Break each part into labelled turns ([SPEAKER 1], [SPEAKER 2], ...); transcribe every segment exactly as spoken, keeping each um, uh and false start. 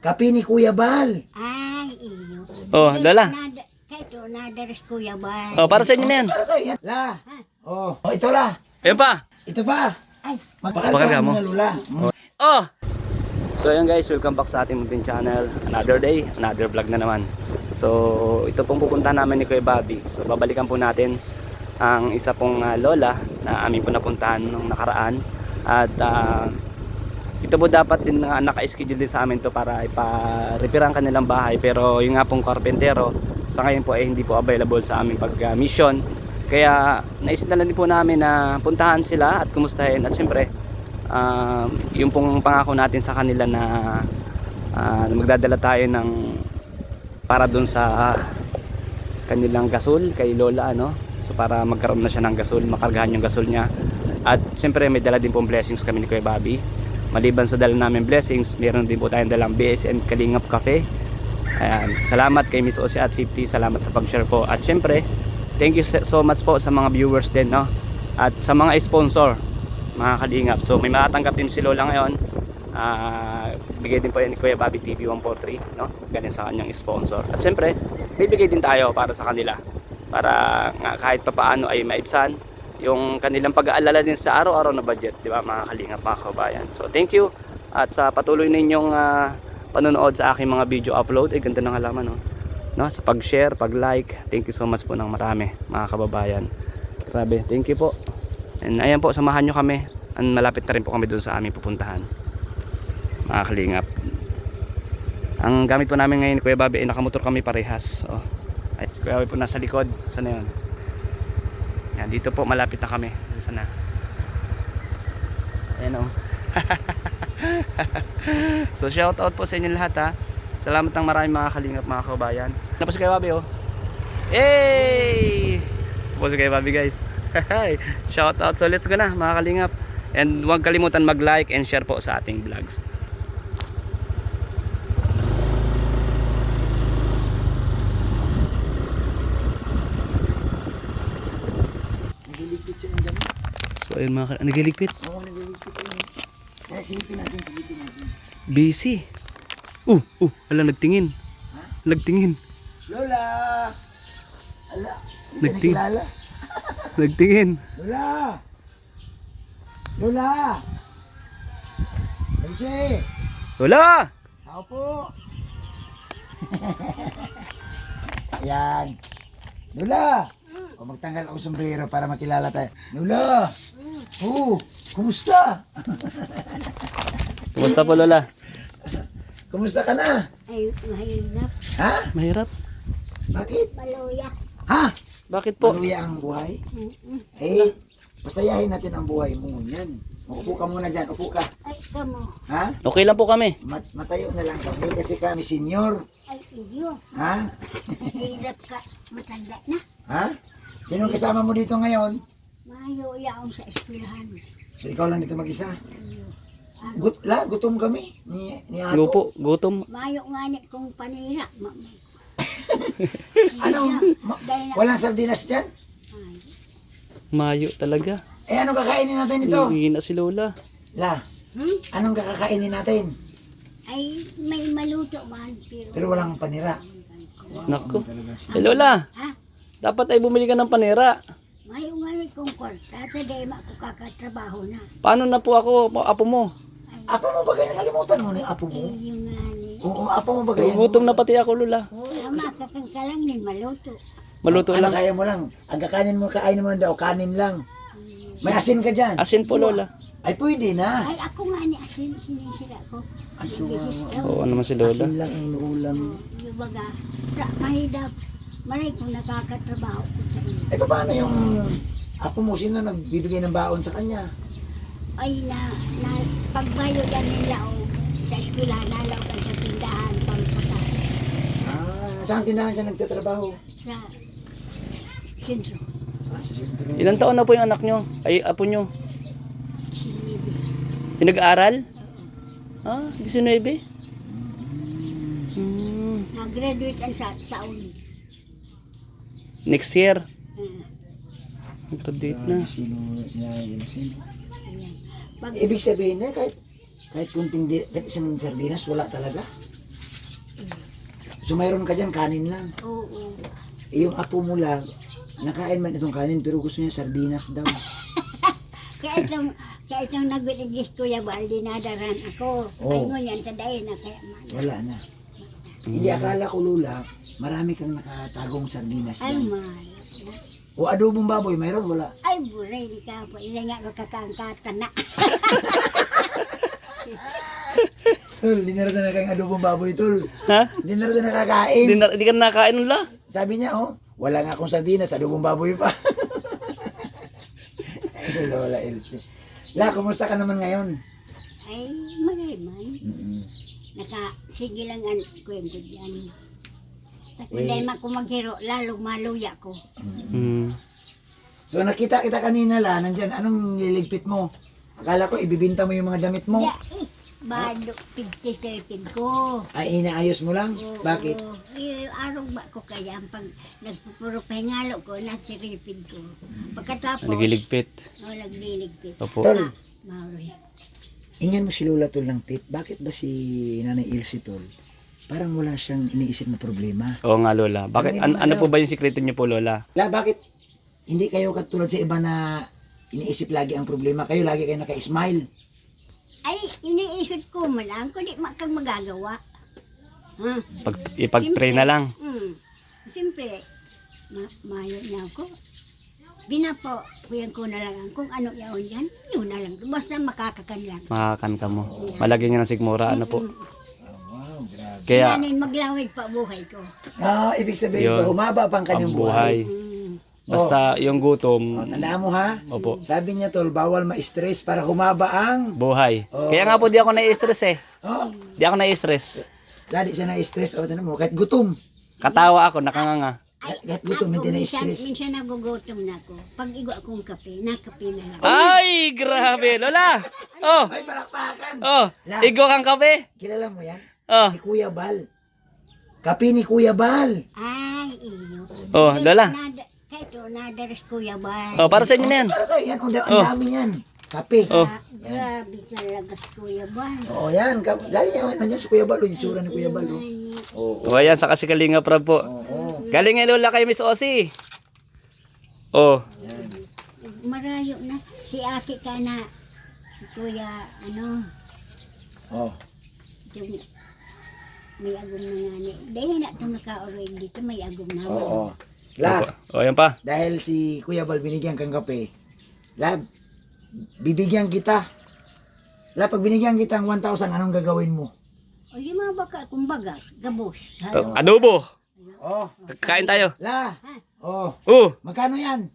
[SPEAKER 1] Kape ni Kuya Bal.
[SPEAKER 2] Ay, iyo.
[SPEAKER 3] Oh, Lola.
[SPEAKER 2] Nada, kahit o nadaras kuya ba?
[SPEAKER 3] Oh, para sa inyo na yan.
[SPEAKER 1] Para sa'yo yan. La. Oh, oh ito la.
[SPEAKER 3] Ayun pa.
[SPEAKER 1] Ito pa.
[SPEAKER 2] Ay,
[SPEAKER 1] Magpakarga
[SPEAKER 3] mo.
[SPEAKER 1] mo na, Lula.
[SPEAKER 3] Oh! So ayun guys, welcome back sa ating munting channel. Another day, another vlog na naman. So ito pong pupuntahan namin ni Kuya Bobby. So babalikan po natin ang isa pong uh, lola na amin po napuntahan nung nakaraan. At uh, ito po dapat din uh, naka-schedule din sa amin to para ipa-repair ang kanilang bahay. Pero yung nga pong karpentero sa ngayon po ay hindi po available sa aming pag-mission. Kaya naisip na lang din po namin na puntahan sila at kumustahin. At syempre Uh, yung pong pangako natin sa kanila na uh, magdadala tayo ng para dun sa uh, kanilang gasol kay Lola, ano? So para magkaroon na siya ng gasol, makargahan yung gasol niya. At siyempre may dala din pong blessings kami ni Kuya Bobby. Maliban sa dala namin blessings, meron din po tayong dalang B S N Kalingap Cafe. Ayan, salamat kay Miss Osia at fifty, salamat sa pag-share po. At siyempre thank you so much po sa mga viewers din, no? At sa mga sponsor, mga kalingap. So may matatanggap din si Lola ngayon. Uh, bigay din po yan ni Kuya Bobby T V one forty-three, no? Ganyan sa kanyang sponsor. At siyempre bibigay din tayo para sa kanila, para nga kahit papaano ay maibsan yung kanilang pag-aalala din sa araw-araw na budget, di ba mga kalingap, mga kabayan. So thank you at sa patuloy ninyong uh, panonood sa aking mga video upload. Ay ganda ng halaman, no? No? Sa pag-share, pag-like, thank you so much po ng marami mga kababayan. Grabe, thank you po. And ayan po, samahan nyo kami. And malapit na rin po kami doon sa aming pupuntahan, mga kalingap. Ang gamit po namin ngayon, Kuya Bobby, ay nakamotor kami parehas. Oh. Ay, si Kuya Bobby po nasa likod. Saan na yun? Yan, dito po malapit na kami. Saan na? Ayan o. So shout out po sa inyo lahat, ha. Salamat ng maraming mga kalingap, mga kabayan. Tapos si Kuya Bobby, oh. Hey! Tapos si Kuya Bobby, guys. Shout out. So let's go na mga kalingap. And huwag kalimutan mag-like and share po sa ating vlogs.
[SPEAKER 1] Nagliligpit siya ng gamit.
[SPEAKER 3] So ayun mga kalingap. Nagliligpit?
[SPEAKER 1] Oo, nagliligpit siya. Kaya silipin natin, silipin natin.
[SPEAKER 3] Busy. Uh, uh, ala nagtingin.
[SPEAKER 1] Ha?
[SPEAKER 3] Nagtingin.
[SPEAKER 1] Lola! Ala, hindi ka
[SPEAKER 3] Nagting-
[SPEAKER 1] nakilala.
[SPEAKER 3] Nagtingin.
[SPEAKER 1] Lola! Lola! Nancy!
[SPEAKER 3] Wala!
[SPEAKER 1] Ako po! Ayan. Lola! O magtanggal ako sombrero para makilala tayo. Lola! Oh, kumusta?
[SPEAKER 3] Kumusta po, Lola?
[SPEAKER 1] Kumusta ka na?
[SPEAKER 2] ay, mahirap.
[SPEAKER 1] Ha?
[SPEAKER 3] Mahirap.
[SPEAKER 1] Bakit?
[SPEAKER 2] Maluya.
[SPEAKER 1] Ha?
[SPEAKER 3] Bakit po?
[SPEAKER 1] Maluya ang buhay?
[SPEAKER 2] Mm-mm.
[SPEAKER 1] Eh, pasayahin natin ang buhay mo. Yan. Upo ka muna dyan. Upo ka.
[SPEAKER 2] Ay, kamo.
[SPEAKER 1] Ha?
[SPEAKER 3] Okay lang po kami.
[SPEAKER 1] Mat matayo na lang kami kasi kami senior.
[SPEAKER 2] Ay, iyo.
[SPEAKER 1] Ha?
[SPEAKER 2] Mahirap ka. Matanda na.
[SPEAKER 1] Ha? Sino kasama mo dito ngayon?
[SPEAKER 2] Maluya akong sa eskwelahan.
[SPEAKER 1] So ikaw lang dito mag-isa.
[SPEAKER 2] Iyo.
[SPEAKER 1] Gut la, gutom kami. Ni, ni Ato.
[SPEAKER 3] Lupo, gutom.
[SPEAKER 2] Mayo nga ni kong panira. Ma-
[SPEAKER 1] Ano? Ma-
[SPEAKER 2] Dahil na.
[SPEAKER 1] walang sardinas dyan?
[SPEAKER 2] Ay,
[SPEAKER 3] Mayo talaga.
[SPEAKER 1] Eh, anong kakainin natin ito?
[SPEAKER 3] Hihina si Lola.
[SPEAKER 1] La,
[SPEAKER 2] hmm?
[SPEAKER 1] anong kakakainin natin?
[SPEAKER 2] Ay, may maluto man. Pero,
[SPEAKER 1] Pero walang panira.
[SPEAKER 3] Nako.
[SPEAKER 1] Talaga siya.
[SPEAKER 3] Eh, Lola,
[SPEAKER 2] Ha?
[SPEAKER 3] dapat ay bumili ka ng panera.
[SPEAKER 2] Mayo nga ni kong kwarta. Sa dahil ako kakatrabaho na.
[SPEAKER 3] Paano na po ako, apo mo?
[SPEAKER 2] Ay,
[SPEAKER 1] Apo mo ba ganyan? Kalimutan mo na yung apo mo?
[SPEAKER 2] ay yung nga ni.
[SPEAKER 1] Oo, apo mo ba ganyan?
[SPEAKER 3] Gutom na pati ako, Lola.
[SPEAKER 2] Oh, makakang ka lang din maluto.
[SPEAKER 3] Maluto
[SPEAKER 1] Ano
[SPEAKER 3] lang.
[SPEAKER 1] kaya mo lang? Ang kakanin mo, kainin mo daw, kanin lang. May asin ka dyan.
[SPEAKER 3] Asin po, Lola.
[SPEAKER 1] Ay, pwede na.
[SPEAKER 2] Ay, ako nga ni asin, sinisira ko.
[SPEAKER 1] Ay,
[SPEAKER 2] Bisis
[SPEAKER 1] kawawa.
[SPEAKER 2] daw.
[SPEAKER 3] Oo naman si Lola.
[SPEAKER 1] Asin lang ang inuulam.
[SPEAKER 2] Yung baga, ra- mahidap. Maray kung nakakatrabaho ko sa iyo.
[SPEAKER 1] Eh, paano yung apo mo? Sino nagbibigay ng baon sa kanya?
[SPEAKER 2] Ay, na, na pagbayo yan nila o sa eskwelahan, nalaw ka sa tindahan, pampasahe.
[SPEAKER 1] Ah, saan tindahan siya nagtatrabaho?
[SPEAKER 2] Sa sentro,
[SPEAKER 1] Ah, sa sentro.
[SPEAKER 3] Ilang taon na po yung anak nyo? Ay, apo nyo?
[SPEAKER 2] sinibi.
[SPEAKER 3] Yung nag-aaral?
[SPEAKER 2] Oo.
[SPEAKER 3] Ah, nineteen. Hmm.
[SPEAKER 2] Nag-graduate ang sa taon.
[SPEAKER 3] Next year.
[SPEAKER 2] Uh,
[SPEAKER 3] Graduate na.
[SPEAKER 1] Sino, sino, sino, sino?
[SPEAKER 2] ayan. Pag,
[SPEAKER 1] Ibig sabihin na kahit kahit kunting di, kahit isang sardinas wala talaga. So mayroon ka dyan, kanin lang.
[SPEAKER 2] Oo.
[SPEAKER 1] Eh, yung apo mo lang, nakain man itong kanin pero gusto niya sardinas daw.
[SPEAKER 2] Kaya itong, kaya itong nag-English Kuya Bal, dinadaran ako.
[SPEAKER 1] Oo.
[SPEAKER 2] Ay mo yan, tadayin na kaya man.
[SPEAKER 1] Wala na. Hindi, akala ko Lula, marami kang nakatagong sardinas
[SPEAKER 2] Ay,
[SPEAKER 1] dyan.
[SPEAKER 2] may.
[SPEAKER 1] O adobong baboy, mayroon? Wala.
[SPEAKER 2] Ay, buray, di ka po. Ina nga ko kakangkat ka na.
[SPEAKER 1] Tol, hindi na rin na kang adobong baboy, tol.
[SPEAKER 3] Ha?
[SPEAKER 1] Hindi na rin na nakakain.
[SPEAKER 3] Hindi, na, hindi ka na nakain nun la?
[SPEAKER 1] Sabi niya, oh, wala nga akong sardinas, adobong baboy pa. Ay, Lola Elsie. La, kumusta ka naman ngayon?
[SPEAKER 2] Ay, maray man.
[SPEAKER 1] Mm-mm.
[SPEAKER 2] Naka, sige lang ang kwento dyan.
[SPEAKER 1] Eh.
[SPEAKER 2] Kung dahil man ko maghiro, lalong maluya ko.
[SPEAKER 3] Hmm.
[SPEAKER 1] So nakita kita kanina la, nandyan, anong niligpit mo? Akala ko ibibinta mo yung mga damit mo.
[SPEAKER 2] Ya, eh, bado, pigtitirpid ko.
[SPEAKER 1] Ay, inaayos mo lang?
[SPEAKER 2] Oo.
[SPEAKER 1] Bakit?
[SPEAKER 2] Eh, araw ba ko kaya pag nagpupuro pahingalo ko, natiripid ko. Pagkatapos,
[SPEAKER 3] Nagiligpit.
[SPEAKER 2] oh, nagliligpid.
[SPEAKER 3] Opo.
[SPEAKER 1] Tol,
[SPEAKER 2] Maroy.
[SPEAKER 1] ingyan mo si Lola Tol ng tip. Bakit ba si Nanay Ilse Tol? Parang wala siyang iniisip na problema.
[SPEAKER 3] Oo nga Lola. Bakit, an- ano po ba yung sikreto niyo po Lola?
[SPEAKER 1] La, bakit hindi kayo katulad sa iba na iniisip lagi ang problema? Kayo lagi kayo naka-smile.
[SPEAKER 2] Ay, iniisip ko man lang, kundi makang magagawa. Ha?
[SPEAKER 3] Pag, ipag-pray na lang.
[SPEAKER 2] Hmm. Siyempre, ma mayo na ako. Binapo, kuyan ko na lang kung ano yaon yan, yun na lang. Basta makakakan lang.
[SPEAKER 3] Makakan ka mo. Malagyan niya ng sigmura. Ano po?
[SPEAKER 2] Mm.
[SPEAKER 1] Wow, grabe.
[SPEAKER 3] Kaya,
[SPEAKER 2] Yanin maglawig pa buhay ko.
[SPEAKER 1] Ah, ibig sabihin
[SPEAKER 3] Yun.
[SPEAKER 1] ko, humaba pa ang
[SPEAKER 3] ang
[SPEAKER 1] kanyang buhay.
[SPEAKER 3] buhay.
[SPEAKER 2] Hmm.
[SPEAKER 3] Basta yung gutom,
[SPEAKER 1] Oh, tandaan mo ha?
[SPEAKER 3] opo,
[SPEAKER 1] Sabi niya Tol, bawal ma-stress para humaba ang...
[SPEAKER 3] buhay.
[SPEAKER 1] Oo.
[SPEAKER 3] Kaya nga po di ako na-stress eh.
[SPEAKER 1] Oh,
[SPEAKER 3] Di ako na-stress.
[SPEAKER 1] lagi siya na-stress. O, tandaan mo, kahit gutom.
[SPEAKER 3] Katawa ako, nakanganga.
[SPEAKER 2] Ay,
[SPEAKER 1] Kahit gutom, hindi
[SPEAKER 2] ako,
[SPEAKER 1] na-stress.
[SPEAKER 2] Minsan, minsan nagugutom na ako. Pag igwa akong kape, nakape na lang.
[SPEAKER 3] Ay, grabe, Lola. Oh,
[SPEAKER 1] Ay, palakpakan.
[SPEAKER 3] oh,
[SPEAKER 1] La.
[SPEAKER 3] igo kang kape.
[SPEAKER 1] Kilala mo yan?
[SPEAKER 3] Oh,
[SPEAKER 1] Si Kuya Bal. Kapi ni Kuya Bal.
[SPEAKER 2] Ay, iyo.
[SPEAKER 3] oh, Lola.
[SPEAKER 2] Nada, kahit o, nadaras Kuya Bal.
[SPEAKER 3] Oh, para sa inyo na yan.
[SPEAKER 1] Para sa'yo, yan, ang da-
[SPEAKER 3] Oh.
[SPEAKER 1] ang dami yan. Kape.
[SPEAKER 3] Oh.
[SPEAKER 2] Ah, grabe talaga si Kuya Bal.
[SPEAKER 1] Oo, yan. Kap- Lagi yan, nandiyan si Kuya Bal. Yung itsura ni Kuya Bal. Oh.
[SPEAKER 2] Ay,
[SPEAKER 1] Oo.
[SPEAKER 3] Oh, ayan, saka si Kalinga Prab po.
[SPEAKER 1] Oo.
[SPEAKER 3] Galing nga Lola kay Miss Ossie. Oh,
[SPEAKER 1] Yan.
[SPEAKER 2] Marayo na. Si Aki ka na. Si Kuya, ano,
[SPEAKER 1] Oh.
[SPEAKER 2] yung may agom na nga ni. Dahil na itong naka-orig dito, may agom na.
[SPEAKER 1] Oo. La,
[SPEAKER 3] oh, ayan pa.
[SPEAKER 1] dahil si Kuya Bal binigyan kang kape, la, bibigyan kita. La, pag binigyan kita ng one thousand, anong gagawin mo?
[SPEAKER 2] O di mga baka, kumbaga, gabos.
[SPEAKER 3] Oh, adobo.
[SPEAKER 1] Oh,
[SPEAKER 3] Kain tayo.
[SPEAKER 1] la, oh,
[SPEAKER 3] Oh,
[SPEAKER 1] magkano yan?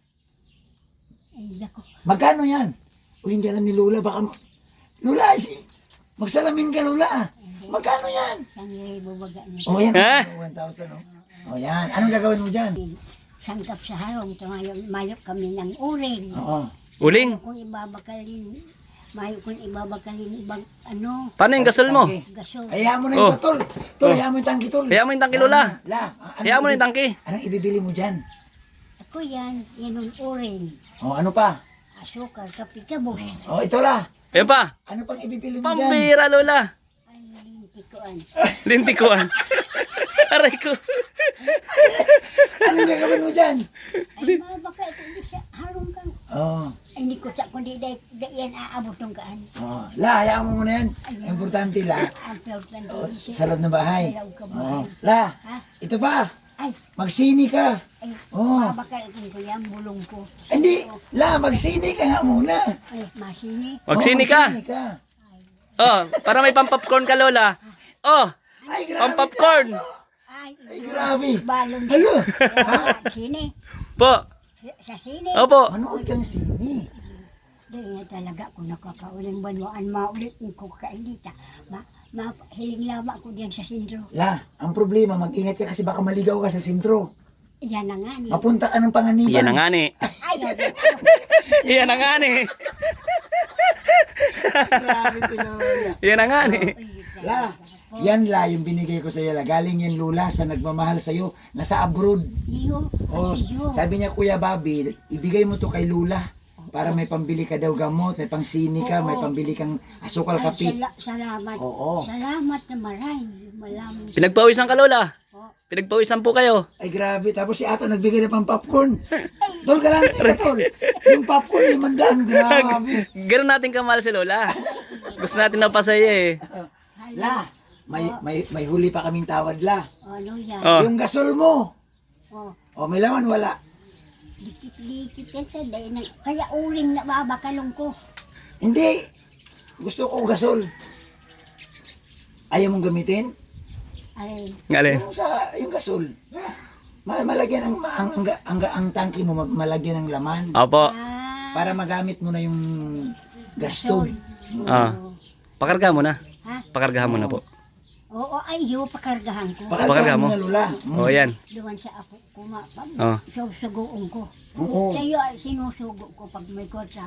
[SPEAKER 2] Ay, dako.
[SPEAKER 1] Magkano yan? O hindi alam ni Lola, baka... ma- Lola, si... magsalamin ka, Lola. Magkano yan?
[SPEAKER 2] Sang libo baga na.
[SPEAKER 1] O yan,
[SPEAKER 3] Ha?
[SPEAKER 1] one thousand, oh. O yan, anong gagawin mo dyan?
[SPEAKER 2] Sangkap sa harong, tumayong mayok kami ng uring.
[SPEAKER 1] Oo.
[SPEAKER 3] uling.
[SPEAKER 2] Kung ibabakalin, mayok kung ibabakalin, ibang, ano,
[SPEAKER 3] Paano yung gasol mo?
[SPEAKER 1] Tangke.
[SPEAKER 2] gaso.
[SPEAKER 1] Hayaan mo na
[SPEAKER 3] Oh.
[SPEAKER 1] yung tol. Tol,
[SPEAKER 3] Oh.
[SPEAKER 1] hayaan mo yung tangki, tol.
[SPEAKER 3] Hayaan mo yung tangki, Lola.
[SPEAKER 1] La, anong
[SPEAKER 3] Hayaan mo na yung
[SPEAKER 1] ibibi-
[SPEAKER 3] tangki.
[SPEAKER 1] Anong ibibili mo dyan?
[SPEAKER 2] Ako yan, yan ang uring.
[SPEAKER 1] O, ano pa?
[SPEAKER 2] Asukal, kapi, kabos.
[SPEAKER 1] O, ito la.
[SPEAKER 3] Ayan pa.
[SPEAKER 1] Ano pang ibibili mo dyan?
[SPEAKER 3] Pambira, Lola.
[SPEAKER 2] Ay, tikuan.
[SPEAKER 3] Lintikuan. Aray ko.
[SPEAKER 1] Anong gagawin mo dyan?
[SPEAKER 2] Ay, mga baka ito, di siya, harong kang.
[SPEAKER 1] Oo.
[SPEAKER 2] Ay, hindi ko sa kundi dahil yan aabot ng kaan.
[SPEAKER 1] Oh, la, hayaan mo muna yan. Importante, la.
[SPEAKER 2] Ang peltan
[SPEAKER 1] Oh,
[SPEAKER 2] din siya.
[SPEAKER 1] sa loob ng bahay.
[SPEAKER 2] Sa loob ka
[SPEAKER 1] Oh,
[SPEAKER 2] bahay.
[SPEAKER 1] la,
[SPEAKER 2] Ha?
[SPEAKER 1] ito pa.
[SPEAKER 2] Ay,
[SPEAKER 1] Magsini ka.
[SPEAKER 2] ay,
[SPEAKER 1] Oh.
[SPEAKER 2] mga baka ito ko yan, bulong ko.
[SPEAKER 1] Hindi, la, magsini ka nga muna.
[SPEAKER 2] Ay, masini.
[SPEAKER 3] Magsini
[SPEAKER 1] Oh,
[SPEAKER 3] ka.
[SPEAKER 1] magsini ka.
[SPEAKER 3] Oh, para may pampopcorn ka, Lola. Oh,
[SPEAKER 1] Ay, grabe.
[SPEAKER 3] pampopcorn.
[SPEAKER 2] Ay,
[SPEAKER 1] Ay, grabe.
[SPEAKER 2] balong.
[SPEAKER 1] Halo.
[SPEAKER 2] Ha? Sini.
[SPEAKER 3] Po.
[SPEAKER 2] Sa, sa sini.
[SPEAKER 3] Opo.
[SPEAKER 1] Manood kang sini.
[SPEAKER 2] Doon nga talaga kung nakakauling banwaan, maulit ko kainita. Ma, ma, hiling lama ko diyan sa sentro.
[SPEAKER 1] La, ang problema, mag-ingat ka kasi baka maligaw ka sa sentro.
[SPEAKER 2] Yan na nga ni.
[SPEAKER 1] Mapunta ka ng panganiban.
[SPEAKER 3] Yan na nga ni.
[SPEAKER 2] Ay,
[SPEAKER 3] Yan na nga ni.
[SPEAKER 1] Grabe si Lola.
[SPEAKER 3] Yan na nga ni.
[SPEAKER 1] La, yan la, yung binigay ko sa iyo la. Galing yan Lula sa nagmamahal sa iyo. Nasa abroad.
[SPEAKER 2] iyo.
[SPEAKER 1] O,
[SPEAKER 2] Iyo.
[SPEAKER 1] sabi niya Kuya Bobby, ibigay mo to kay Lula. Para may pambili ka daw gamot, may pangsini ka, may
[SPEAKER 2] Oo.
[SPEAKER 1] pambili kang asukal
[SPEAKER 2] Ay,
[SPEAKER 1] kape.
[SPEAKER 2] sala- salamat.
[SPEAKER 1] Oo.
[SPEAKER 2] Salamat na maray. Malamang.
[SPEAKER 3] Pinagpawisan ka, Lola.
[SPEAKER 2] Po.
[SPEAKER 3] Pinagpawisan po kayo.
[SPEAKER 1] Ay grabe, tapos si Ato nagbigay na pang popcorn. Tol, galante ka tol. Yung popcorn, limandaan, grabe.
[SPEAKER 3] Ganun natin kamahal si Lola. Gusto natin na pasaya eh.
[SPEAKER 1] La, may, may, may huli pa kaming tawad la.
[SPEAKER 2] Ano yan?
[SPEAKER 3] Oh.
[SPEAKER 1] Yung gasol mo.
[SPEAKER 2] Oh.
[SPEAKER 1] O may laman, wala.
[SPEAKER 2] Dikit-dikit ito. Dahil na, kaya uling na babakalong ko.
[SPEAKER 1] Hindi. Gusto ko gasol. Ayaw mong gamitin?
[SPEAKER 2] Ay,
[SPEAKER 3] Ngalin.
[SPEAKER 1] Yung sa, yung gasol. Ma- malagyan ang, ang, ang, ang, ang tangki mo, ma- malagyan ng laman.
[SPEAKER 3] Opo.
[SPEAKER 2] ah,
[SPEAKER 1] Para magamit mo na yung gasto.
[SPEAKER 3] Ah. Pakarga mo na.
[SPEAKER 2] Ha?
[SPEAKER 3] Pakargahan mo na po.
[SPEAKER 2] Oo, ay, yung pakargahan ko.
[SPEAKER 1] Pakarga
[SPEAKER 3] Pakarga
[SPEAKER 1] mo
[SPEAKER 3] mo.
[SPEAKER 1] na, Lola. Mm.
[SPEAKER 3] O yan.
[SPEAKER 2] Doon sa apo ko, ma, pag
[SPEAKER 3] Oh.
[SPEAKER 2] susugoon ko.
[SPEAKER 1] Oo.
[SPEAKER 2] Sa'yo ay sinusugo ko pag may kotsa.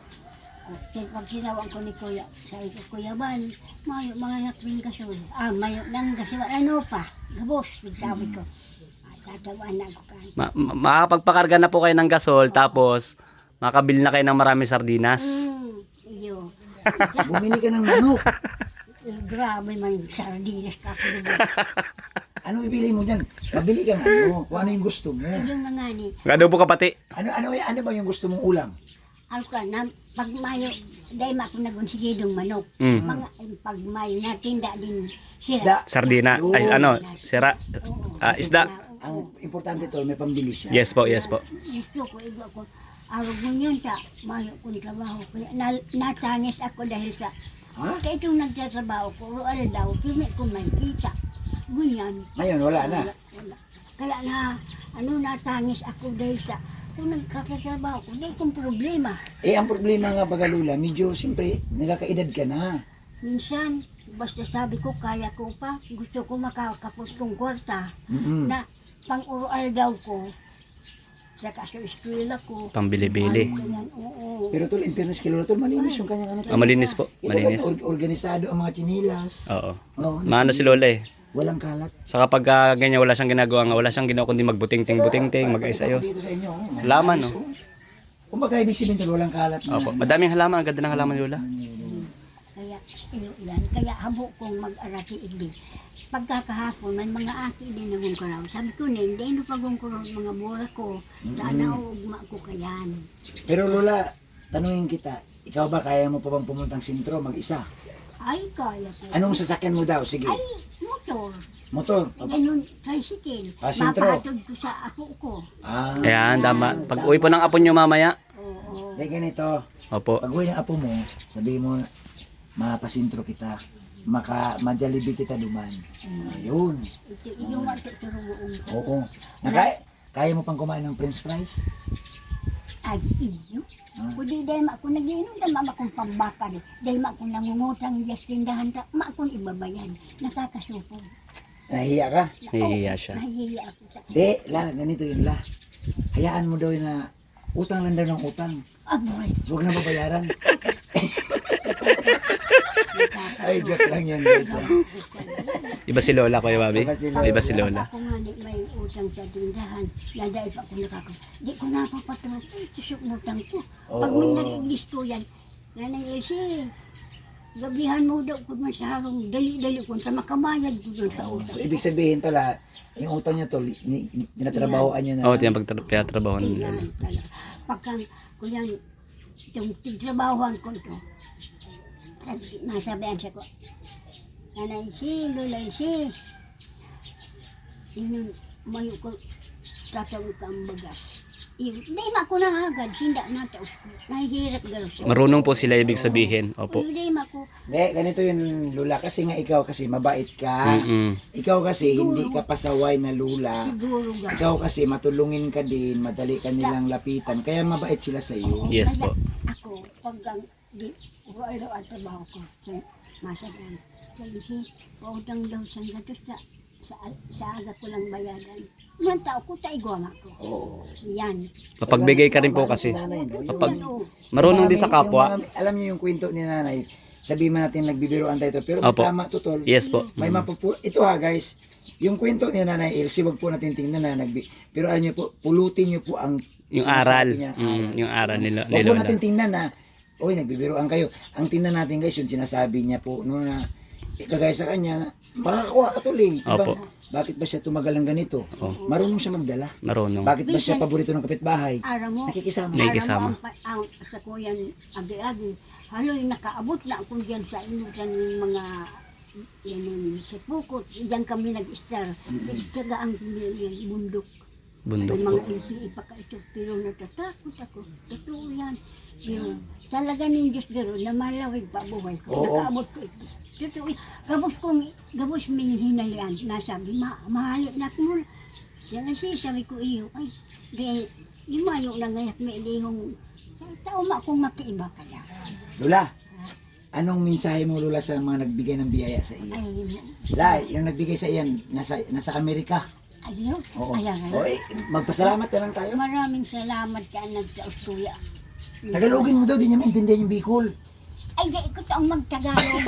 [SPEAKER 2] Sin- Pag sinawang ko ni Kuya, sa ito, Kuya Ban, mayo mga nakring gasol. Ah, mayo nang gasol. Ano pa? Gabos, sabi ko. Ah, tatawaan na ako kan.
[SPEAKER 3] Ma- ma- makakapagpakarga na po kayo ng gasol tapos makabili na kayo ng marami sardinas.
[SPEAKER 2] Hmm, iyo.
[SPEAKER 1] Bumili ka ng manok.
[SPEAKER 2] Eh, grabe man yung sardinas ka ako doon.
[SPEAKER 1] Ano bibili mo dyan? Mabili kang ano, kung ano yung gusto mo.
[SPEAKER 2] Yung na nga ni,
[SPEAKER 3] Gado po kapati.
[SPEAKER 1] Ano, ano, ano ba yung gusto mong ulam?
[SPEAKER 2] ako ka na, pag mayo, dahil ma ako nagunsigidong manok.
[SPEAKER 3] Mm.
[SPEAKER 2] Mga, eh, pag mayo, natinda din sila.
[SPEAKER 1] Isda.
[SPEAKER 3] Sardina. Ay, ano, sira. Ah, isda.
[SPEAKER 1] Ang importante tol, may pambili siya.
[SPEAKER 3] Yes po, yes po.
[SPEAKER 2] Gusto ko, iba ko, araw mo yun sa mayo kong trabaho. Kaya na, natangis ako dahil sa,
[SPEAKER 1] Ha?
[SPEAKER 2] kaya itong nagtatrabaho ko, rual daw, kami ko may kita. Ganyan.
[SPEAKER 1] Ngayon, wala na.
[SPEAKER 2] Wala, wala. Kaya na, ano, natangis ako dahil sa, kung nagkakatrabaho ko, dahil kong problema.
[SPEAKER 1] Eh, ang problema nga baga Lola, medyo siyempre, nagkakaedad ka na.
[SPEAKER 2] Minsan, basta sabi ko, kaya ko pa, gusto ko makakapot kong kwarta,
[SPEAKER 1] Mm-mm.
[SPEAKER 2] na pang-urual daw ko, saka sa eskwela ko.
[SPEAKER 3] Pambili-bili.
[SPEAKER 2] Ganyan, oo.
[SPEAKER 1] Pero tol, in fairness kay Lola, tol, malinis yung kanyang ano.
[SPEAKER 3] Ah, malinis po.
[SPEAKER 1] Ito kasi
[SPEAKER 3] Malinis.
[SPEAKER 1] or- organisado ang mga chinilas.
[SPEAKER 3] Oo.
[SPEAKER 1] Oh,
[SPEAKER 3] Maano si Lola eh.
[SPEAKER 1] Walang kalat.
[SPEAKER 3] Sa kapag ah, ganyan wala siyang ginagawa nga, wala siyang ginawa kundi magbuting-ting-buting-ting, mag-ayos-ayos.
[SPEAKER 1] Dito sa inyo. oh.
[SPEAKER 3] Halaman, no?
[SPEAKER 1] Kung baga ibig sabihin tol, walang kalat na.
[SPEAKER 3] Opo. Madaming halaman, ang ganda ng halaman ni Lola.
[SPEAKER 2] Kaya, ilo yan. Kaya habo kong mag-arati igbi. Pagkakahapon, may mga aki din naman ko raw. Sabi ko, Neng, dahil no pagong ko raw mga bola ko, sana ugma ko kayan.
[SPEAKER 1] Pero Lola, tanungin kita, ikaw ba kaya mo pa bang pumuntang sentro mag-isa?
[SPEAKER 2] Ay, kaya ko.
[SPEAKER 1] Anong sasakyan mo daw? Sige.
[SPEAKER 2] Ay, motor.
[SPEAKER 1] Motor.
[SPEAKER 2] Ganun, tricycle.
[SPEAKER 1] Ah, sentro.
[SPEAKER 2] Mapahatod ko sa apo ko.
[SPEAKER 1] Ah.
[SPEAKER 3] Ayan, tama. Pag uwi po ng apo nyo mamaya.
[SPEAKER 2] Oo.
[SPEAKER 1] Dahil ganito,
[SPEAKER 3] Opo.
[SPEAKER 1] pag uwi ng apo mo, sabihin mo, mapasintro kita. Maka, majalibi kita duman. Ayun.
[SPEAKER 2] Ito, yung matuturuan ko.
[SPEAKER 1] Oo. Naka, kaya mo pang kumain ng french fries?
[SPEAKER 2] Ay, iyo. Kundi dahil ma ako nag-inom, dahil ma akong pambakar. Dahil ma akong nangungutang yes tindahan, ta- ma akong ibabayan. Nakakasupog.
[SPEAKER 1] Nahiya ka?
[SPEAKER 3] Nahihiya siya.
[SPEAKER 2] Nahihiya ako sa...
[SPEAKER 1] Di, la, ganito yun la. Hayaan mo daw yun na utang lang daw ng utang.
[SPEAKER 2] Aboy.
[SPEAKER 1] So, huwag na babayaran. Ay, joke lang yun. Guys.
[SPEAKER 3] Iba si Lola, Kuya Bobby.
[SPEAKER 1] Iba si Lola.
[SPEAKER 3] Iba si Lola.
[SPEAKER 2] Ako nga di may utang sa tindahan. Dahil pa ako nakaka... Di ko napapatulog. Ay, susok utang ko. Pag may
[SPEAKER 1] Oo.
[SPEAKER 2] nag-English ko yan, Nanay Elsie, gabihan mo daw kung man sa harong, dali-dali kung sa makabayad ko doon sa utang.
[SPEAKER 1] So, ibig sabihin pala, yung utang niya to, ni, ni, tinatrabahoan niya na.
[SPEAKER 3] Oo, oh, tiyang pagtrabaho ni Lola.
[SPEAKER 2] Yan talaga. Pagka, kuyan, itong tigtrabahoan ko to, sabi- nasabihan siya ko, Nanay si, Lola si, inyo, mayo ko, tatawag ka ang bagas. Hindi ma ko nahagad, hindi na taos ko. Nahihirap gano'n siya.
[SPEAKER 3] Marunong po sila ibig sabihin. Opo.
[SPEAKER 2] Hindi ma ko,
[SPEAKER 1] Hindi, ganito yun, Lula. Kasi nga ikaw kasi mabait ka.
[SPEAKER 3] Mm-mm.
[SPEAKER 1] Ikaw kasi hindi ka pasaway na Lula.
[SPEAKER 2] siguro gano'n.
[SPEAKER 1] Ikaw kasi matulungin ka din, madali ka nilang lapitan. Kaya mabait sila sa iyo.
[SPEAKER 3] Yes po.
[SPEAKER 2] Ako, pag ang di, ulo ang trabaho ko, sa masagan. Kasi si, pautang daw sa gatos sa, sa, sa aga ko lang bayaran. Ilang tao ko, taigwama ko.
[SPEAKER 1] Oo.
[SPEAKER 2] Yan.
[SPEAKER 3] Mapagbigay ka rin po kasi.
[SPEAKER 1] Nanay, no? Yung-
[SPEAKER 3] Kapag
[SPEAKER 2] Ano,
[SPEAKER 3] marunong din
[SPEAKER 1] Yung
[SPEAKER 3] sa
[SPEAKER 1] mga-
[SPEAKER 3] kapwa.
[SPEAKER 1] yung mga- alam niyo yung kwento ni nanay, sabihin man natin nagbibiroan tayo to, pero may
[SPEAKER 3] Opo.
[SPEAKER 1] tama to, tol.
[SPEAKER 3] Yes po.
[SPEAKER 1] May mapupu... Ito ha guys, yung kwento ni Nanay Elsie, wag po natin tingnan na nagbi... Pero alam niyo po, pulutin niyo po ang
[SPEAKER 3] Yung
[SPEAKER 1] sinasabi
[SPEAKER 3] aral.
[SPEAKER 1] niya,
[SPEAKER 3] Mm, yung aral ni, Lo- ni
[SPEAKER 1] Wag po
[SPEAKER 3] Lola.
[SPEAKER 1] natin tingnan na, oy, nagbibiroan kayo. Ang tingnan natin guys, yung sinasabi niya po, no, na kagaya sa kanya, makakakuha ka tuloy. Diba?
[SPEAKER 3] Opo.
[SPEAKER 1] Bakit ba siya tumagal ng ganito?
[SPEAKER 3] Oh.
[SPEAKER 1] Marunong siya magdala.
[SPEAKER 3] Marunong.
[SPEAKER 1] Bakit ba siya paborito ng kapitbahay?
[SPEAKER 2] Aram mo,
[SPEAKER 1] Nakikisama.
[SPEAKER 3] May kasama.
[SPEAKER 2] aram mo ang, ang sa kuyan agi-agi. Haloy nakaabot na ako diyan sa inutan ng mga yan yung sa Pukot. Diyan kami nag-star. Nagtyaga ang yung bundok.
[SPEAKER 3] Bundok
[SPEAKER 2] Yung
[SPEAKER 3] po.
[SPEAKER 2] mga ilpi ipakaito. Pero natatakot ako. Totoo yan. Pero talaga ng Diyos garo na malawig pa buhay ko.
[SPEAKER 1] Oo.
[SPEAKER 2] Nakaabot ko ito. Totoo yan. Gabos kong, gabos ming hinalian. Nasabi, ma, mahali na ko muna. Yan siya, sabi ko iyo. Ay, di, di mayo na ngayak may ilihong. Tao ma akong makiiba kaya.
[SPEAKER 1] Lola, anong mensahe mo Lola sa mga nagbigay ng biyaya sa iyo?
[SPEAKER 2] Ay,
[SPEAKER 1] La, yung nagbigay sa iyan, nasa, nasa Amerika.
[SPEAKER 2] ayaw.
[SPEAKER 1] Oo.
[SPEAKER 2] Ayan,
[SPEAKER 1] O, eh, magpasalamat na lang tayo.
[SPEAKER 2] Maraming salamat ka nagsa-Australia.
[SPEAKER 1] Tagalogin mo daw, di niya maintindihan yung Bicol.
[SPEAKER 2] Ay, di ko taong magtagalog.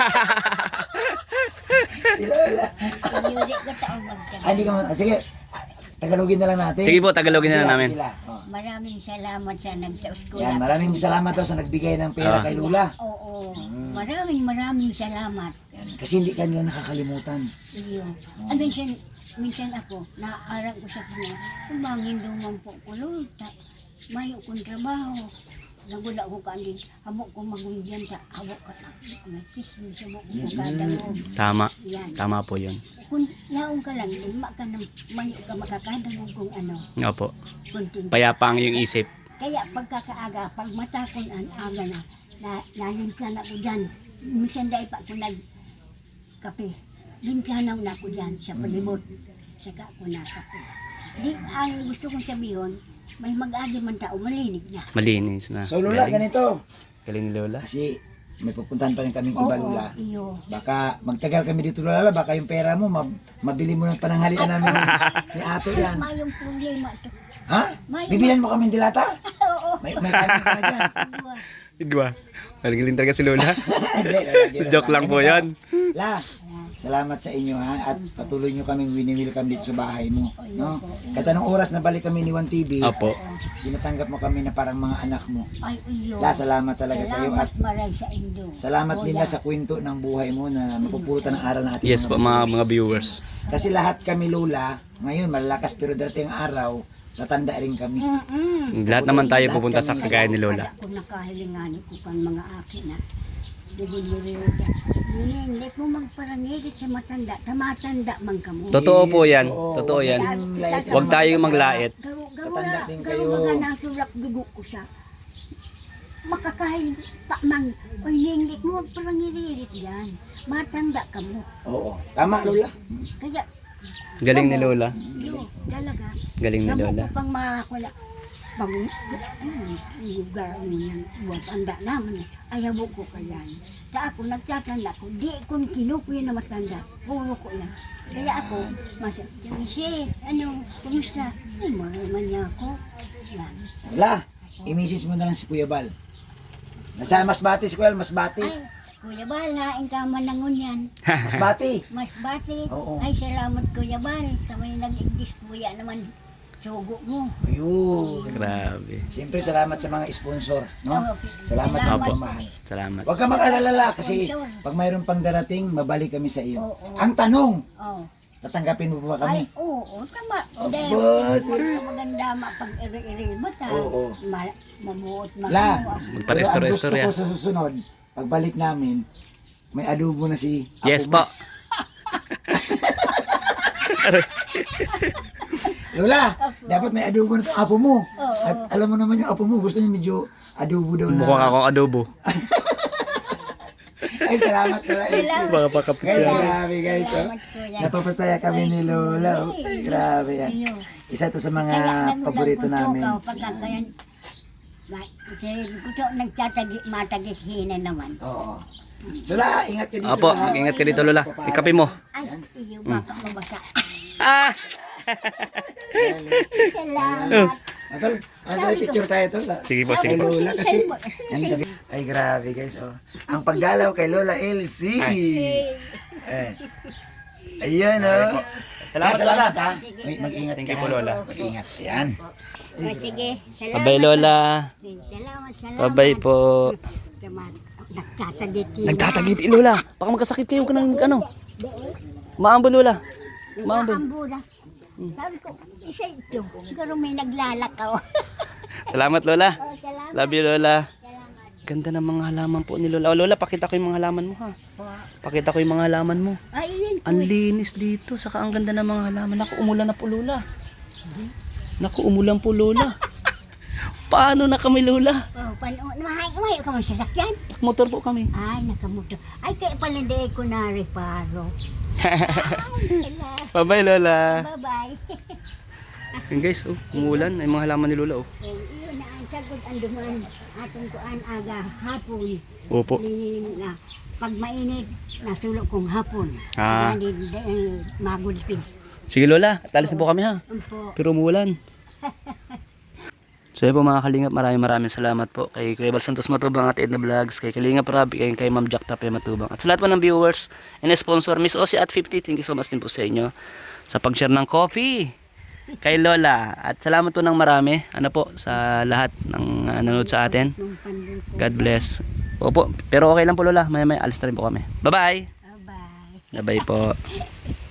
[SPEAKER 1] Lola.
[SPEAKER 2] Hindi ko taong
[SPEAKER 1] Ah,
[SPEAKER 2] magtagalog.
[SPEAKER 1] hindi ka ma- sige, Tagalogin na lang natin.
[SPEAKER 3] Sige po, Tagalogin na lang
[SPEAKER 1] Sige,
[SPEAKER 3] namin.
[SPEAKER 1] sige, La. Oh.
[SPEAKER 2] Maraming salamat sa nagsa-Australia.
[SPEAKER 1] Yan, maraming salamat daw sa nagbigay ng pera
[SPEAKER 3] Ah.
[SPEAKER 1] kay Lola.
[SPEAKER 2] Oo.
[SPEAKER 1] Mm.
[SPEAKER 2] Maraming maraming salamat.
[SPEAKER 1] Yan, kasi hindi ka nila nakakalimutan.
[SPEAKER 2] Iyo. Ah, minsan, minsan ako, naaarang ko sa kanya, kumangin duman po ko, Lord, ta- mayo kong trabaho. Nagula ko ka din, habok ko magundian ta, habok ka na. Nagsismi sa habok ko kadang
[SPEAKER 3] Tama.
[SPEAKER 2] yan.
[SPEAKER 3] Tama po yun.
[SPEAKER 2] Kung naong ka lang, lima ka na, mayo ka makakadang kung ano,
[SPEAKER 3] Opo.
[SPEAKER 2] kunting.
[SPEAKER 3] Payapa ang iyong isip.
[SPEAKER 2] Kaya pagkakaaga, pag matakon ang aga na, na nalimpla na ko dyan. Minsan dahil pa ako nagkape. Limplanaw na ako dyan sa palibot. Saka ako na kape. Di, ang gusto kong sabihin, may mag-agi man tao, malinig na.
[SPEAKER 3] Malinis na.
[SPEAKER 1] So Lola,
[SPEAKER 3] Galing.
[SPEAKER 1] ganito.
[SPEAKER 3] Galing ni Lola.
[SPEAKER 1] Kasi may pupuntahan pa rin kaming iba Lola.
[SPEAKER 2] iyo.
[SPEAKER 1] Baka magtagal kami dito Lola, baka yung pera mo, mab- mabili mo ng pananghalian namin ni, ni Ato yan.
[SPEAKER 2] Mayong problema to.
[SPEAKER 1] Ha?
[SPEAKER 2] May-
[SPEAKER 1] Bibilan mo kami dilata?
[SPEAKER 2] Oo.
[SPEAKER 1] May, may kanin ka na dyan.
[SPEAKER 2] Dua.
[SPEAKER 3] Igwa. Magaling talaga si Lola.
[SPEAKER 1] Hindi, Lola, hindi,
[SPEAKER 3] Joke
[SPEAKER 1] Lola.
[SPEAKER 3] lang po yan.
[SPEAKER 1] La, salamat sa inyo ha at patuloy nyo kaming wini-welcome dito sa bahay mo, no? Kahit anong oras na balik kami ni One T V,
[SPEAKER 3] Opo.
[SPEAKER 1] tinatanggap mo kami na parang mga anak mo.
[SPEAKER 2] Ay, iyo.
[SPEAKER 1] La, salamat talaga sa iyo
[SPEAKER 2] Salamat
[SPEAKER 1] at
[SPEAKER 2] maray sa inyo.
[SPEAKER 1] salamat din
[SPEAKER 2] Kuya.
[SPEAKER 1] na sa kwento ng buhay mo na mapupulutan ng aral ng ating
[SPEAKER 3] Yes po mga mga viewers.
[SPEAKER 1] Kasi lahat kami Lola, ngayon malalakas pero darating ang araw, tatanda rin kami.
[SPEAKER 2] Mm-mm.
[SPEAKER 3] Lahat naman tayo
[SPEAKER 1] Lahat
[SPEAKER 3] pupunta sa
[SPEAKER 1] kami.
[SPEAKER 3] kagaya ni Lola.
[SPEAKER 2] Kung nakahilinganin ko kang mga akin na dibuliriw ka. Hindi ko magparangirit sa matanda. Tamatanda man ka mo.
[SPEAKER 3] Totoo po yan.
[SPEAKER 1] Oo,
[SPEAKER 3] Totoo
[SPEAKER 1] huwag
[SPEAKER 3] yan.
[SPEAKER 1] tayong lait sa
[SPEAKER 3] Huwag
[SPEAKER 1] mga
[SPEAKER 3] tayong
[SPEAKER 1] matanda.
[SPEAKER 3] maglait.
[SPEAKER 2] Garo, garo
[SPEAKER 1] Tatanda
[SPEAKER 2] na,
[SPEAKER 1] din
[SPEAKER 2] garo
[SPEAKER 1] kayo.
[SPEAKER 2] mga nasulak dugo ko siya. Makakahiling pa man. O hindi mo magparangirit yan. Matanda ka mo.
[SPEAKER 1] Oo, tama Lola.
[SPEAKER 2] Kaya,
[SPEAKER 3] Galing ni Lola.
[SPEAKER 2] yo, talaga.
[SPEAKER 3] Galing ni
[SPEAKER 2] Kamu
[SPEAKER 3] Lola.
[SPEAKER 2] ko pang makakula. Pag, ayun, lugar mo yan, buwan, anda naman eh. Ayaw ko kayan. Sa ako, nagtatanda ko, di kong kinukuya na matanda, puro ko yan. Kaya ako, masa, Janice, ano, kumusta? Ay, maraman niya ako. Yan.
[SPEAKER 1] Lola, imisis mo na lang si Kuya Bal. Nasa Masbate si Kuya Bal, Masbate.
[SPEAKER 2] Ay, Kuya Bal, hain ka man ng unyan.
[SPEAKER 1] Masbate.
[SPEAKER 2] Mas bati.
[SPEAKER 1] Oo.
[SPEAKER 2] Ay, salamat Kuya Bal. Sa may nag-igdis kuya naman. Sugo mo.
[SPEAKER 1] Ayun.
[SPEAKER 3] Grabe.
[SPEAKER 1] Siyempre, salamat sa mga sponsor, no?
[SPEAKER 2] Okay.
[SPEAKER 1] Salamat sa
[SPEAKER 3] Opo.
[SPEAKER 1] pagmamahal.
[SPEAKER 3] Salamat.
[SPEAKER 1] Huwag ka mag-alala kasi pag mayroon pang darating, mabalik kami sa iyo.
[SPEAKER 2] Oo.
[SPEAKER 1] Ang tanong,
[SPEAKER 2] Oh.
[SPEAKER 1] tatanggapin mo ba
[SPEAKER 2] Ay,
[SPEAKER 1] kami?
[SPEAKER 2] oo, tama.
[SPEAKER 1] Aba,
[SPEAKER 2] Dahil
[SPEAKER 1] sir.
[SPEAKER 2] maganda mapag iri-iri ba ta?
[SPEAKER 1] Oo.
[SPEAKER 2] Ma- mabuot
[SPEAKER 1] La,
[SPEAKER 2] makuha.
[SPEAKER 1] pero ang
[SPEAKER 3] Magpa-restore-restore
[SPEAKER 1] gusto
[SPEAKER 3] yan.
[SPEAKER 1] ko sa susunod, pagbalik namin, may adobo na si Apo
[SPEAKER 3] Yes
[SPEAKER 1] mo.
[SPEAKER 3] po.
[SPEAKER 1] Lola, dapat may adobo na itong apo mo.
[SPEAKER 2] Oo.
[SPEAKER 1] At alam mo naman yung apo mo, gusto niya medyo adobo daw na.
[SPEAKER 3] Mukhang akong adobo.
[SPEAKER 1] Ay, salamat Lola.
[SPEAKER 2] Salamat.
[SPEAKER 3] Baka pakapit
[SPEAKER 1] Guys,
[SPEAKER 3] siya.
[SPEAKER 1] grabe guys. Oh.
[SPEAKER 2] Salamat, kuya.
[SPEAKER 1] Napapasaya kami ni Lola. Oh. Grabe yan.
[SPEAKER 2] Iyo.
[SPEAKER 1] Isa to sa mga
[SPEAKER 2] Kaya nagulang
[SPEAKER 1] paborito
[SPEAKER 2] ko to,
[SPEAKER 1] namin.
[SPEAKER 2] kao, pagkakayan, ma- kasi ko to nagtatagi, matagihina naman.
[SPEAKER 1] Oo. So la, ingat ka dito.
[SPEAKER 3] Opo,
[SPEAKER 1] ha?
[SPEAKER 3] ingat ka dito Lola. Ikapi mo.
[SPEAKER 2] Ay, iyo, baka mabasa.
[SPEAKER 3] Ah!
[SPEAKER 2] Salamat.
[SPEAKER 1] Atol, ano tayo, picture tayo to. La.
[SPEAKER 3] Sige po,
[SPEAKER 1] Kay
[SPEAKER 3] sige po.
[SPEAKER 1] Lola kasi. Ang gabi. Ay, grabe guys. Oh. Ang pagdalaw kay Lola Elsie. Eh. Ayan oh.
[SPEAKER 3] Salamat,
[SPEAKER 1] Ah, salamat
[SPEAKER 3] Lola.
[SPEAKER 1] ha. Wait, mag-ingat
[SPEAKER 3] Thank
[SPEAKER 1] ka.
[SPEAKER 3] you po,
[SPEAKER 1] ha?
[SPEAKER 3] Lola.
[SPEAKER 1] Mag-ingat. Ayan.
[SPEAKER 2] O, sige, salamat.
[SPEAKER 3] Bye-bye Lola.
[SPEAKER 2] Salamat, salamat.
[SPEAKER 3] Bye-bye po.
[SPEAKER 2] Salamat. Nagtatagiti.
[SPEAKER 3] Nagtatagiti, Lola. Baka magkasakit kayo ka ng ano. Maambo, Lola. Maambo.
[SPEAKER 2] Ambura. Sabi ko, isa ito. Siguro may naglalakaw.
[SPEAKER 3] Salamat, Lola.
[SPEAKER 2] Oh, salamat.
[SPEAKER 3] Love you, Lola.
[SPEAKER 2] Salamat.
[SPEAKER 3] Ganda ng mga halaman po ni Lola. Oh, Lola, pakita ko yung mga halaman mo, ha.
[SPEAKER 2] Po.
[SPEAKER 3] Pakita ko yung mga halaman mo.
[SPEAKER 2] Ay, yun po.
[SPEAKER 3] Ang linis dito. Saka ang ganda ng mga halaman. Naku, umulan na po, Lola. Naku, umulan po, Lola. Paano na kami, Lola?
[SPEAKER 2] Oh, pano, mahay, mahay ka mo sa sakyan?
[SPEAKER 3] Motor po kami.
[SPEAKER 2] Ay, nakamuto. Ay, kaya pala hindi ko na reparo. Ay, wala.
[SPEAKER 3] Bye-bye, Lola.
[SPEAKER 2] Bye-bye.
[SPEAKER 3] Yun guys, oh, umulan. Ay mga halaman ni Lola, oh.
[SPEAKER 2] Eh, iyon na ang sagot ang duman. Atong kuan aga hapon.
[SPEAKER 3] Opo.
[SPEAKER 2] Linin na. Pag mainit, nasulok kong hapon.
[SPEAKER 3] Ah.
[SPEAKER 2] Kaya di, di, eh, magulpin.
[SPEAKER 3] Sige, Lola. Atalis na po kami, ha.
[SPEAKER 2] Umpo.
[SPEAKER 3] Pero umulan. So yun po mga kalingap, maraming maraming salamat po kay Kuya Bal Santos Matubang at Edna Vlogs, kay Kalingap Rabi, kay, kay Ma'am Jack Tapia Matubang. At sa lahat po ng viewers and sponsor, Miss Osi at fifty, thank you so much din po sa inyo sa pag-share ng coffee kay Lola. At salamat po ng marami, ano po, sa lahat ng uh, nanonood sa atin.
[SPEAKER 2] Nung pandun po.
[SPEAKER 3] God bless. Opo, pero okay lang po Lola, may may alis na rin po kami. Bye-bye!
[SPEAKER 2] Bye-bye.
[SPEAKER 3] Bye-bye po.